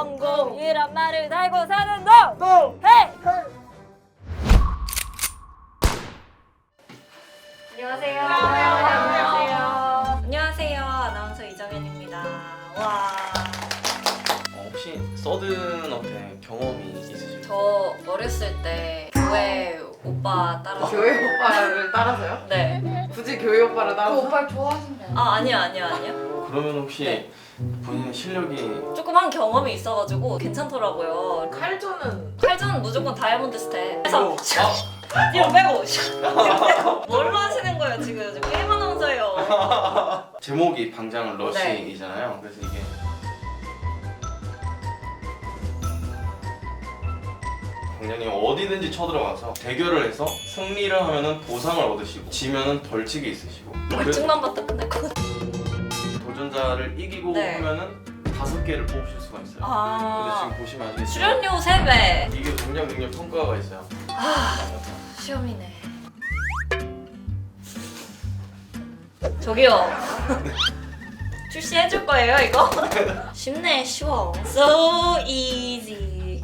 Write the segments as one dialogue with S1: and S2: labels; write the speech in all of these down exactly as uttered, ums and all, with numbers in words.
S1: 성공이란 말을 달고 사는 놈!
S2: 똥!
S1: 헤이!
S2: 헤이!
S1: 안녕하세요.
S2: 안녕하세요.
S1: 안녕하세요. 아나운서 이정현입니다. 와.
S3: 어, 혹시 서든어택 경험이 있으실까요?
S1: 저 어렸을 때 교회 오빠 따라서
S4: 교회 오빠를 따라서요?
S1: 네.
S4: 굳이 교회 오빠를 따라서?
S2: 오빠를 좋아하신대요.
S1: 아 아니요 아니요 아니요.
S3: 그러면 혹시
S1: 네.
S3: 본인의 실력이
S1: 조금 한 경험이 있어가지고 괜찮더라고요.
S4: 칼전은
S1: 칼전 무조건 다이아몬드 스텝. 그래서
S3: 아,
S1: 뒤로 빼고 뒤로 빼고 뭘로 하시는 거예요 지금? 저 게임 아나운서예요.
S3: 제목이 방장
S1: 네.
S3: 러시이잖아요. 그래서 이게 방장님 어디든지 쳐들어가서 대결을 해서 승리를 하면은 보상을 얻으시고 지면은 벌칙이 있으시고
S1: 벌칙만 받다 끝날 것 같아.
S3: 도전자를 이기고
S1: 네.
S3: 하면은 다섯 개를 뽑으실 수가 있어요. 근데
S1: 아
S3: 지금 보시면 아시겠지만
S1: 출연료 세 배.
S3: 이게 방장 능력 평가가 있어요.
S1: 시험이네. 저기요. 출시해줄 거예요 이거? 쉽네 쉬워. So easy.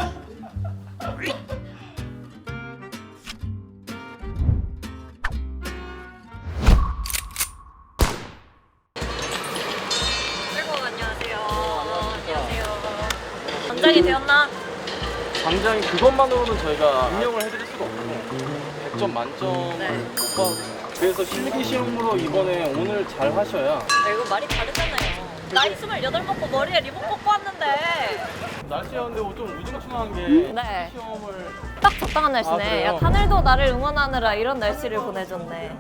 S1: 아이고 안녕하세요. 안녕하세요. 원장이 되었나?
S3: 방장이 그것만으로는 저희가 인정을 해드릴 수가 없고 백 점 만점
S1: 네.
S3: 오빠 그래서 실기 시험으로 이번에 오늘 잘 하셔야
S1: 아, 이거 말이 다르잖아요. 나이 스물여덟 먹고 머리에 리본 뽑고 왔는데
S3: 날씨가 근데 좀 우중충한 게
S1: 네.
S3: 시험을
S1: 딱 적당한
S3: 아,
S1: 날씨네.
S3: 그래요?
S1: 야, 하늘도 나를 응원하느라 이런 날씨를 보내줬네.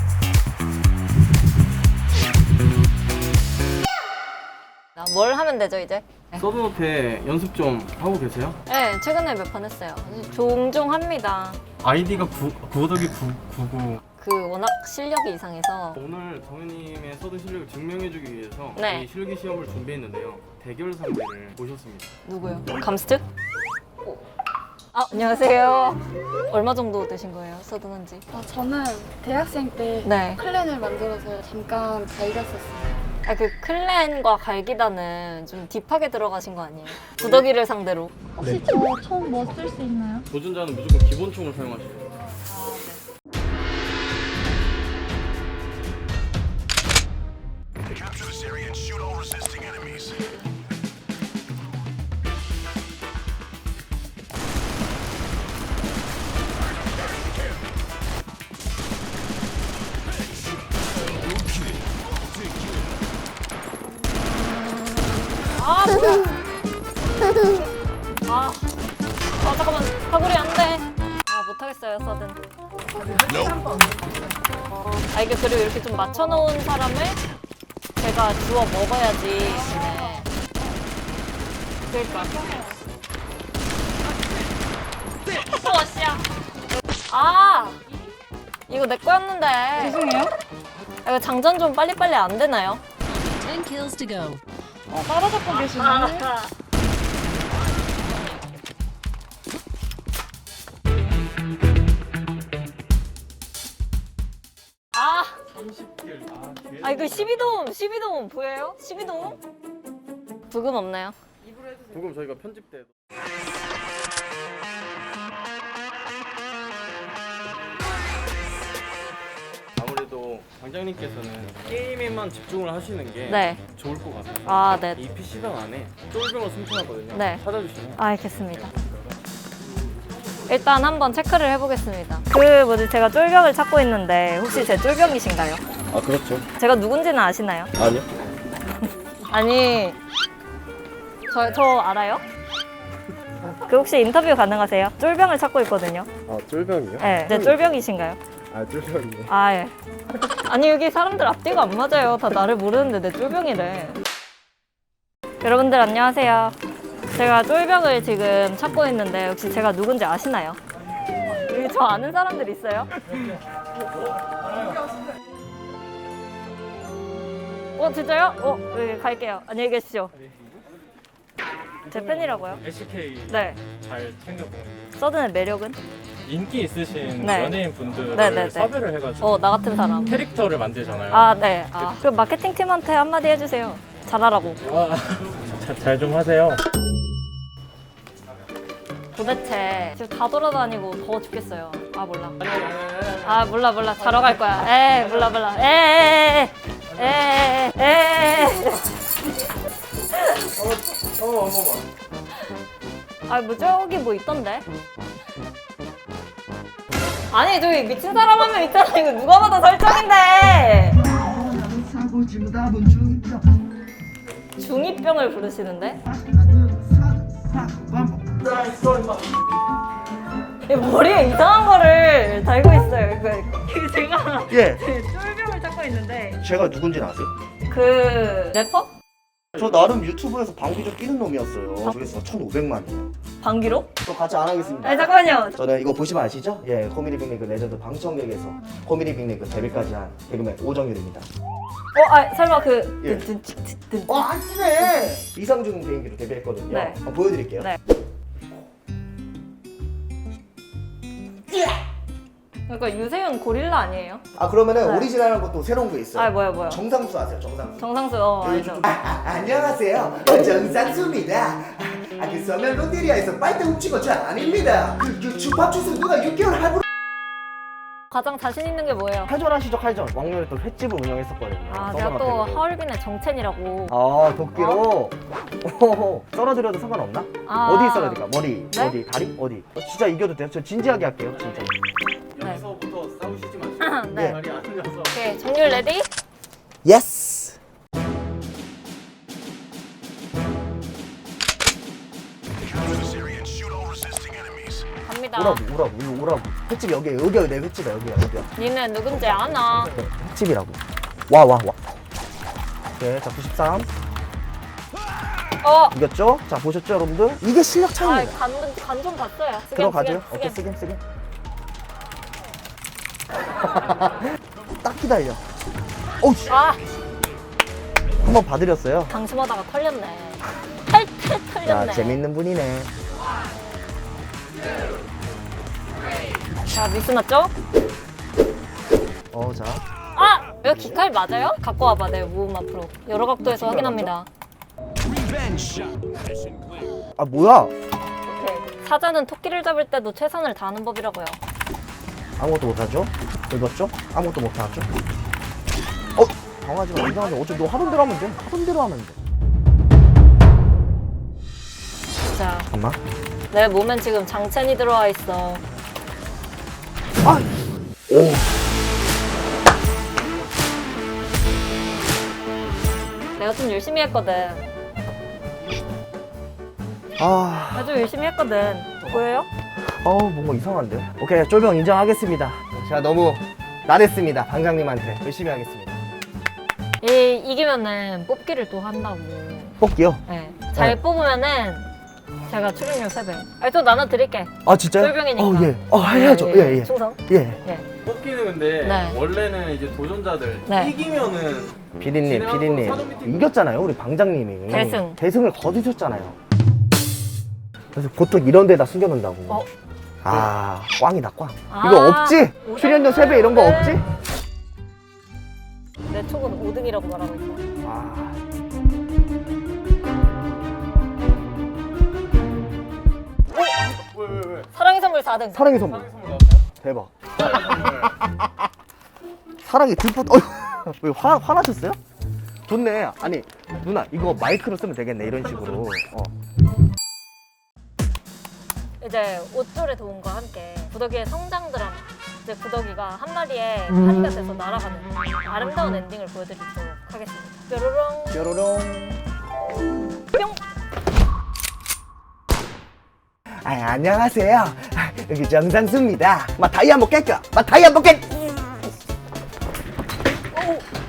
S1: 나 뭘 하면 되죠 이제?
S3: 서든어택 연습 좀 하고 계세요?
S1: 네, 최근에 몇 판 했어요. 종종 합니다.
S3: 아이디가 구더기 구구
S1: 그 워낙 실력이 이상해서
S3: 오늘 정현님의 서든 실력을 증명해주기 위해서
S1: 네.
S3: 이 실기 시험을 준비했는데요 대결 상대를 모셨습니다.
S1: 누구요? 감스트? 아, 안녕하세요. 얼마 정도 되신 거예요? 서든한지?
S2: 아, 저는 대학생 때
S1: 네.
S2: 클랜을 만들어서 잠깐 갈겼었어요.
S1: 아, 그 클랜과 갈기단은 좀 딥하게 들어가신 거 아니에요? 구더기를 상대로.
S2: 혹시 저 총 뭐 쓸 수 있나요?
S3: 도전자는 무조건 기본총을 사용하셔야 돼요.
S5: Capture this area and shoot all resisting enemies.
S1: 아, 뭐야. 아, 아 잠깐만. 사거리 안 돼. 아, 못하겠어요, 서든. 아, 이게 그리고 이렇게 좀 맞춰놓은 사람을 제가 주워 먹어야지. 네. 그러니까. 어, 씨야. 아, 이거 내 거였는데.
S2: 죄송해요.
S1: 아, 이거 장전 좀 빨리빨리 안 되나요?
S6: ten kills to go.
S2: 어, 따라잡고 계시네.
S1: 아, 아 이거 십이 돔, 십이 돔 보여요? 십이 돔? 부금 없나요?
S3: 조금 저희가 편집 때 아무래도 방장님께서는 게임에만 집중을 하시는 게
S1: 네.
S3: 좋을 것 같아요.
S1: 아, 네.
S3: 이 피시방 안에 쫄병을 숨겨놨거든요.
S1: 네.
S3: 찾아주시면
S1: 아, 알겠습니다. 일단 한번 체크를 해보겠습니다. 그 뭐지 제가 쫄병을 찾고 있는데 혹시 제 쫄병이신가요?
S3: 아 그렇죠.
S1: 제가 누군지는 아시나요?
S3: 아니요.
S1: 아니 저, 저 알아요? 그 혹시 인터뷰 가능하세요? 쫄병을 찾고 있거든요.
S3: 아 쫄병이요?
S1: 네, 제 쫄병이신가요?
S3: 아 쫄병이요.
S1: 아 예. 아니 여기 사람들 앞뒤가 안 맞아요. 다 나를 모르는데 내 쫄병이래. 여러분들 안녕하세요. 제가 쫄병을 지금 찾고 있는데 혹시 제가 누군지 아시나요? 여기 저 아는 사람들 있어요? 어 진짜요? 어 여기 갈게요. 안녕히 계십시오. 제 팬이라고요?
S7: 에스케이
S1: 네.
S7: 잘 챙겨보는
S1: 서든의 매력은?
S7: 인기 있으신
S1: 네.
S7: 연예인 분들을
S1: 네, 네, 네.
S7: 섭외를 해가지고
S1: 어 나 같은 사람.
S7: 캐릭터를 만들잖아요.
S1: 아 네. 아, 그럼 마케팅 팀한테 한마디 해주세요. 잘하라고.
S7: 잘 좀 하세요.
S1: 도대체 지금 다 돌아다니고 더워 죽겠어요. 아 몰라. 아 몰라 몰라. 자러 갈 거야. 에 몰라 몰라. 에에에에에에.
S3: 어, 어, 어머머.
S1: 아뭐 저기 뭐 있던데? 아니 저기 미친 사람 한 명 있잖아. 이거 누가 봐도 설정인데.
S8: 사고 진답은 중이다.
S1: 중이병을 부르시는데?
S8: 하나 둘셋 반복.
S1: 이 머리에 이상한 거를 달고 있어요. 이거 이거 제가
S8: 예,
S1: 쫄병을 찾고 있는데
S8: 제가 누군지 아세요?
S1: 그 래퍼?
S8: 저 나름 유튜브에서 방귀 좀 끼는 놈이었어요. 조회수가 천오백만이요.
S1: 방귀로?
S8: 또 같이 안 하겠습니다.
S1: 아니 잠깐만요.
S8: 저는 이거 보시면 아시죠? 예, 코미디 빅리그 레전드 방청객에서 코미디 빅리그 데뷔까지 한 개그맨 오정률입니다.
S1: 어, 아 설마 그
S8: 예.
S1: 든든든든.
S8: 어, 아시네! 이상중 비행기로 데뷔했거든요.
S1: 네.
S8: 한번 보여드릴게요.
S1: 네. 그러니까 유세윤 고릴라 아니에요?
S8: 아, 그러면은
S1: 네.
S8: 오리지널한 것도 새로운 거 있어요.
S1: 아 뭐야 뭐야.
S8: 정상수 아세요? 정상수.
S1: 정상수 어
S8: 네,
S1: 알죠.
S8: 아, 아, 안녕하세요. 저 정상수입니다. 아, 그 서면 롯데리아에서 빨대 훔친 거 저 아닙니다. 그, 그 주파주스 누가 육 개월 할부로
S1: 가장 자신 있는 게 뭐예요?
S8: 칼전 하시죠, 칼전. 왕년에 또 횟집을 운영했었거든요.
S1: 아 제가 또 하얼빈의 정첸이라고.
S8: 아, 도끼로 어? 썰어드려도 상관없나?
S1: 아.
S8: 어디 썰어드릴까? 머리,
S1: 네?
S8: 어디, 다리, 어디? 어, 진짜 이겨도 돼요? 저 진지하게 할게요, 진짜.
S1: 네.
S7: 여기서부터 싸우시지 마시고
S1: 네.
S7: 말이 안 들려서
S1: 오케이 정률 레디?
S8: 예스.
S5: Secure this area and shoot all resisting enemies.
S1: 갑니다.
S8: 오라고, 오라고, 이거 오라고. 횟집 여기야, 여기야, 내 횟집이야, 여기야, 여기야.
S1: 니는 누군지 아나?
S8: 네, 횟집이라고. 와, 와, 와. 오케이, 자, 구십삼.
S1: 어.
S8: 이겼죠? 자, 보셨죠, 여러분들? 이게 실력 차이입니다.
S1: 아간 좀 봤어요. 쓰겜,
S8: 들어가죠?
S1: 쓰겜,
S8: 오케이,
S1: 쓰겜.
S8: 쓰긴, 쓰긴. 딱 기다려. 어우, 씨.
S1: 아
S8: 한번 봐드렸어요.
S1: 방심하다가 털렸네. 탈탈
S8: 야,
S1: 털렸네.
S8: 재밌는 분이네.
S1: 자 미스 맞죠?
S8: 어, 자.
S1: 아! 이거 기칼 맞아요? 갖고 와봐 내 모음 앞으로. 여러 각도에서 확인합니다.
S8: 아, 뭐야?
S1: 오케이. 사자는 토끼를 잡을 때도 최선을 다하는 법이라고요.
S8: 아무것도 못하죠? 읽었죠? 아무것도 못하죠? 어? 당하지 마, 이상하지 마. 어차피 너 하던 대로 하면 돼. 하던 대로 하면 돼.
S1: 자,
S8: 잠깐만.
S1: 내 몸엔 지금 장첸이 들어와 있어.
S8: 아! 오.
S1: 내가 좀 열심히 했거든.
S8: 아.
S1: 내가 좀 열심히 했거든. 보여요?
S8: 어우, 뭔가 이상한데? 오케이, 쫄병 인정하겠습니다. 제가 너무 나댔습니다. 방장님한테. 열심히 하겠습니다.
S1: 이, 이기면은 뽑기를 또 한다고.
S8: 뽑기요?
S1: 네. 잘
S8: 네.
S1: 뽑으면은 제가 출연료 세 배. 아니, 또 나눠드릴게.
S8: 아, 진짜요?
S1: 쫄병이니까.
S8: 어, 예. 어, 해야죠.
S1: 예,
S8: 예,
S1: 예.
S8: 예.
S1: 충성.
S8: 예.
S1: 예.
S7: 뽑기는 근데
S1: 네.
S7: 원래는 이제 도전자들
S1: 네.
S7: 이기면은
S8: 피디님,
S7: 진행하고 사전
S8: 피디님.
S7: 미팅.
S8: 이겼잖아요, 우리 방장님이.
S1: 대승.
S8: 대승을 거두셨잖아요. 그래서 보통 이런 데다 숨겨놓는다고.
S1: 어?
S8: 아, 꽝이다, 꽝.
S1: 아,
S8: 이거 없지? 출연료 세 배 이런 거 없지?
S1: 내 촉은 오 등이라고 말하고 있어.
S8: 아.
S7: 왜 왜 왜?
S1: 사랑의 선물 사 등.
S8: 사랑의 선물.
S7: 선물 나왔어요?
S8: 대박. 사랑이 들꽃, 어휴. 왜 화, 화나셨어요? 좋네. 아니, 누나, 이거 마이크로 쓰면 되겠네, 이런 식으로. 어.
S1: 이제 옷줄의 도움과 함께 구더기의 성장 드라마. 이제 구더기가 한 마리의 파리가 돼서 날아가는 아름다운 엔딩을 보여드리도록 하겠습니다. 뾰로롱
S8: 뾰로롱.
S1: 뿅.
S8: 아, 안녕하세요. 아, 여기 정상수입니다. 마 다이 한번 깰까? 마 다이 한번 깰.
S1: 오.